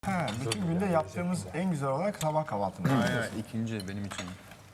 Ha, bütün günde yaptığımız en güzel olarak sabah kahvaltımız. Aynen ikinci benim için.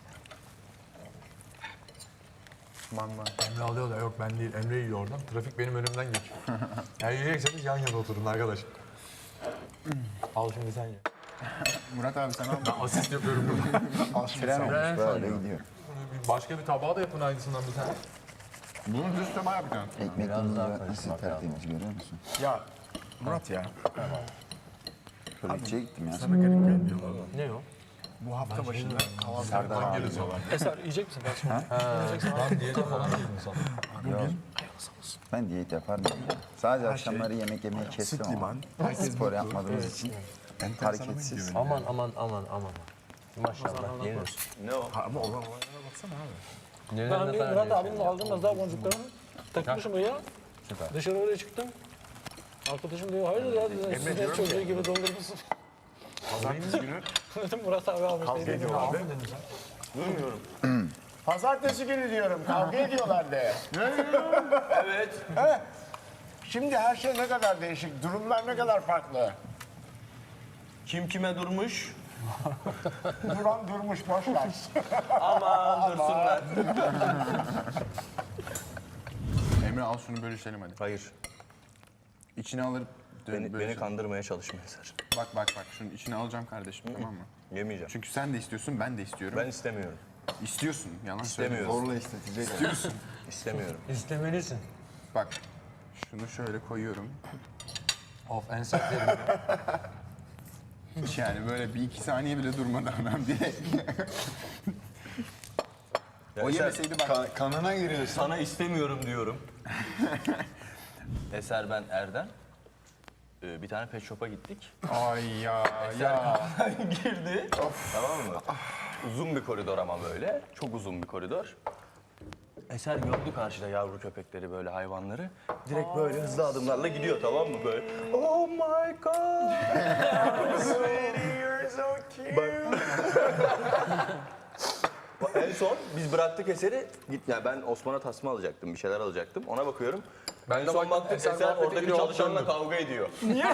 Man. Emre alıyor da yok ben değil. Emre yiyor oradan. Trafik benim önümden geçiyor. Eğer yiyecekseniz yan yana oturun arkadaş. Al şimdi sen ye. Murat abi sen al. Ben asist yapıyorum burada. Tren olmuş böyle gidiyor. Başka bir tabağa da yapın aynısından bir tane. Bunun düz tabağı yapacağım. Ekmeklerimiz nasıl tertemiz görüyor musun? Ya Murat ya, Çörekçiye gittim ya. sana garip gelmiyor mu? Ne o? Bu hafta başında kahvaltı Serdar abi. Eser yiyecek misin kardeşim? Lan diyete falan değilim sana. Yok. Ben diyet yaparım. Sadece akşamları yemek yemeyi süt kestim ama. liman. Spor yapmadığımız için hareketsiz. Aman. Maşallah yenir. Ama olan olaylara baksana abi. Ben bir Murat abinin aldığım daha boncuklarını takmışım ya. Süper. Dışarı öyle çıktım. Arkadaşım diyor hayırdır ya dedi. Siz ne çocuğu gibi dondurmuşsun. Pazartesi günü Dedim Murat abi almış. kavga Dedim, ediyorlar abi. de. Pazartesi günü diyorum kavga ediyorlar de. Evet. Evet. Şimdi her şey ne kadar değişik, durumlar ne kadar farklı. Kim kime durmuş? Duran durmuş boş ver. Aman dursunlar. Emre al şunu bölüşelim hadi. Hayır. İçine alır Beni bölüşelim. kandırmaya çalışma Eser. Bak şunun içine alacağım kardeşim tamam mı? Yemeyeceğim. Çünkü sen de istiyorsun ben de istiyorum. Ben istemiyorum. İstiyorsun yalan İstemiyorum. söylüyorsun. Zorla istetecek. İstiyorsun. İstemiyorum. İstemelisin. Bak şunu şöyle koyuyorum. Of en sertlerim ya. Hiç yani böyle bir iki saniye bile durmadan ben direkt. Ya O Eser, yemeseydi bak. Kanına giriyorsun. sana istemiyorum diyorum. Eser ben Erdem. Bir tane pet shop'a gittik. Ay ya. Girdi. Tamam mı? Uzun bir koridor ama böyle. Çok uzun bir koridor. Eser gördü karşıda yavru köpekleri böyle hayvanları. Direkt böyle hızlı adımlarla gidiyor tamam mı böyle. Oh my god. Sweetie you're so cute. En son biz bıraktık Eser'i. Git ya ben Osman'a tasma alacaktım, bir şeyler alacaktım. Ona bakıyorum. Ben En de son baktım, baktık Eser Eser muhabbete oradaki giriyor, çalışanla döndüm. kavga ediyor.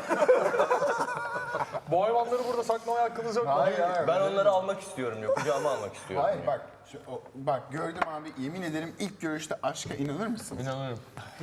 Bu hayvanları burada saklamaya hakkınız yok mu? Hayır. Ben onları almak istiyorum yok. Kucağıma almak istiyorum. Hayır bak. Bak gördüm abi yemin ederim ilk görüşte aşka inanır mısın? İnanırım.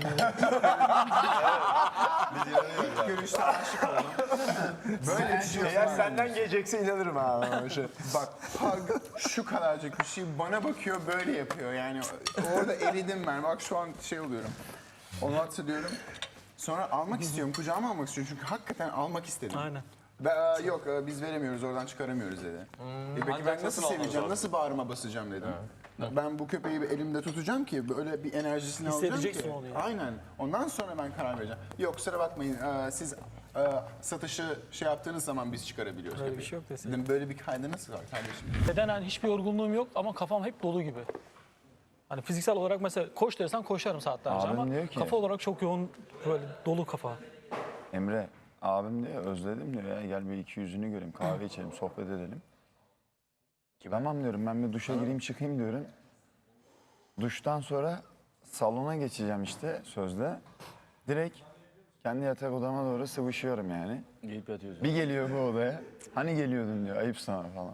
İlk görüşte aşık oldum. Böyle bir şey Eğer senden gelecekse inanırım abi. Bak hug şu kadarcık bir şey bana bakıyor böyle yapıyor yani orada eridim ben bak şu an şey oluyorum. Onu hatırlıyorum. Sonra almak istiyorum kucağıma almak istiyorum çünkü hakikaten almak istedim. Aynen. Yok biz veremiyoruz oradan çıkaramıyoruz dedi. Peki ben nasıl seveceğim nasıl bağrıma basacağım dedim. Ben bu köpeği bir elimde tutacağım ki böyle bir enerjisini alacağım ki. Hissedeceksin onu yani. Aynen. Ondan sonra ben karar vereceğim. Yok kusura bakmayın siz satışı şey yaptığınız zaman biz çıkarabiliyoruz. Öyle bir köpeği. şey yok desin. Dedim böyle bir kaydı nasıl var kardeşim? Bedenen hiçbir yorgunluğum yok ama kafam hep dolu gibi. Hani fiziksel olarak mesela koş dersen koşarım saatlerce Abim ama diyor ki- kafa olarak çok yoğun böyle dolu kafa. Emre abim diyor özledim diyor ya gel bir iki yüzünü göreyim kahve içelim sohbet edelim. Tamam diyorum ben bir duşa gireyim çıkayım diyorum. Duştan sonra salona geçeceğim işte sözde. Direkt kendi yatak odama doğru sıvışıyorum yani. Giyip yatıyorsun. Bir geliyor bu odaya. Hani geliyordun diyor ayıp sana falan.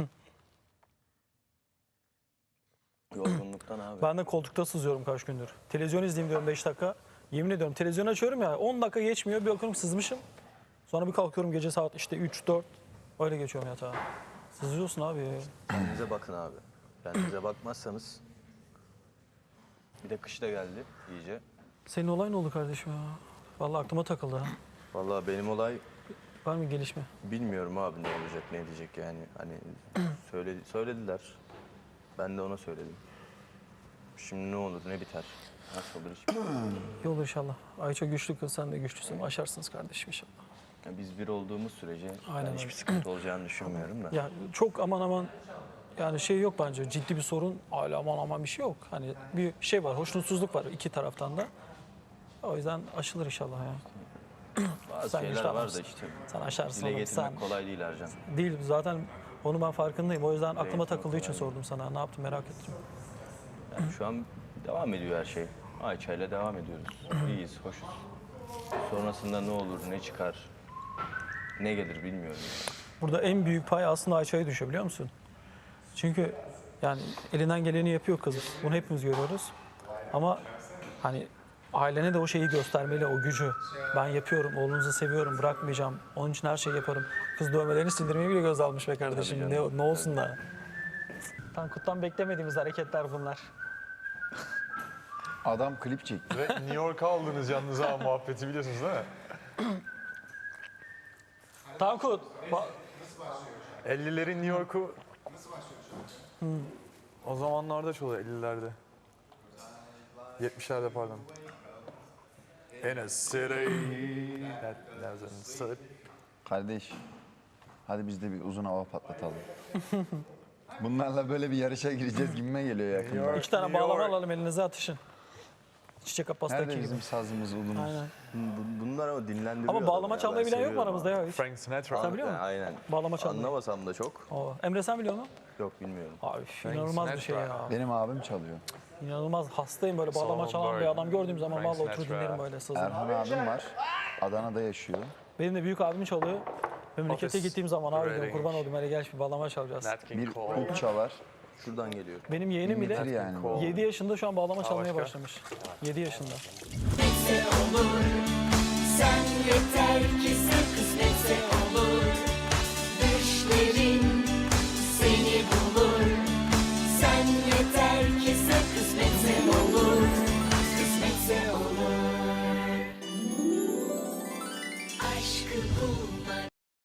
Yorgunluktan abi. Ben de koltukta sızıyorum kaç gündür. Televizyon izleyeyim diyorum 5 dakika. Yemin ediyorum televizyon açıyorum ya 10 dakika geçmiyor bir bakıyorum sızmışım. Sonra bir kalkıyorum gece saat işte 3-4 öyle geçiyorum yatağa. Sızıyorsun abi ya. Kendinize bakın abi. Kendinize bakmazsanız. Bir de kış da geldi iyice. Senin olay ne oldu kardeşim ya? Vallahi aklıma takıldı ha. Vallahi benim olay Var mı gelişme? bilmiyorum abi ne olacak ne diyecek yani. Hani söylediler. Ben de ona söyledim. Şimdi ne olur ne biter. Nasıl olur hiç bilmiyorum. İyi olur inşallah. Ayça güçlü kız sen de güçlüsün. Aşarsınız kardeşim inşallah. Yani biz bir olduğumuz sürece Aynen ben hiçbir öyle. sıkıntı olacağını düşünmüyorum da. Ya çok aman yani şey yok bence ciddi bir sorun. Hala aman bir şey yok. Hani bir şey var hoşnutsuzluk var iki taraftan da. O yüzden aşılır inşallah ya. Bazı Sen şeyler güçlü var da adamsın. işte. Sen aşarsın Dile oğlum getirmek sen. kolay değil Ercan. Değil zaten onu ben farkındayım. O yüzden aklıma getirmek takıldığı için kolay sordum sana. Ne yaptın merak ettim. Yani şu an devam ediyor her şey. Ayça ile devam ediyoruz. İyiyiz, hoşuz. Sonrasında ne olur, ne çıkar ne gelir bilmiyorum. Burada en büyük pay aslında Ayça'ya düşüyor biliyor musun? Çünkü yani elinden geleni yapıyor kız. Bunu hepimiz görüyoruz. Ama hani ailene de o şeyi göstermeli, o gücü. Ben yapıyorum, oğlunuzu seviyorum, bırakmayacağım. Onun için her şeyi yaparım. Kız dövmelerini sildirmeyi bile göz almış be kardeşim. Ne olsun da. Tankut'tan beklemediğimiz hareketler bunlar. Adam klip çekti. Ve New York'a aldınız yalnız ha muhabbeti biliyorsunuz değil mi? Tankut, 50'lerin New York'u... O zamanlarda çalıyor 50'lerde. 70'lerde pardon. In a city that doesn't sleep. Kardeş, hadi biz de bir uzun hava patlatalım. Bunlarla böyle bir yarışa gireceğiz gibime geliyor yakında. 2 tane bağlama alalım elinize atışın. Çiçek Abbas'taki Nerede gibi. bizim sazımız, udumuz? Aynen. Bunlar ama dinlendiriyor. Ama bağlama adamı ya, çalmayı ben bilen yok mu seviyorum aramızda ya hiç? Frank Sinatra. Sen biliyor musun? Aynen. Bağlama çalmayı. Anlamasam da çok. Emre sen biliyor musun? Yok bilmiyorum. Abi inanılmaz bir şey ya. Benim abim çalıyor. İnanılmaz hastayım böyle bağlama Solomon çalan bir Bird, adam gördüğüm zaman Frank vallahi oturur Sinatra. dinlerim böyle sazını. Erhan abim var. Adana'da yaşıyor. Benim de büyük abim çalıyor. Memlekete Office gittiğim zaman abi diyorum Reading. kurban oldum hele gel bir bağlama çalacağız. Nat King Bir Cole. ut çalar. Şuradan geliyor. Benim yeğenim Bitir bile yani. 7 yaşında şu an bağlama çalmaya başka? başlamış. 7 yaşında. Kısmetse olur. Sen yeter ki sen kısmetse olur.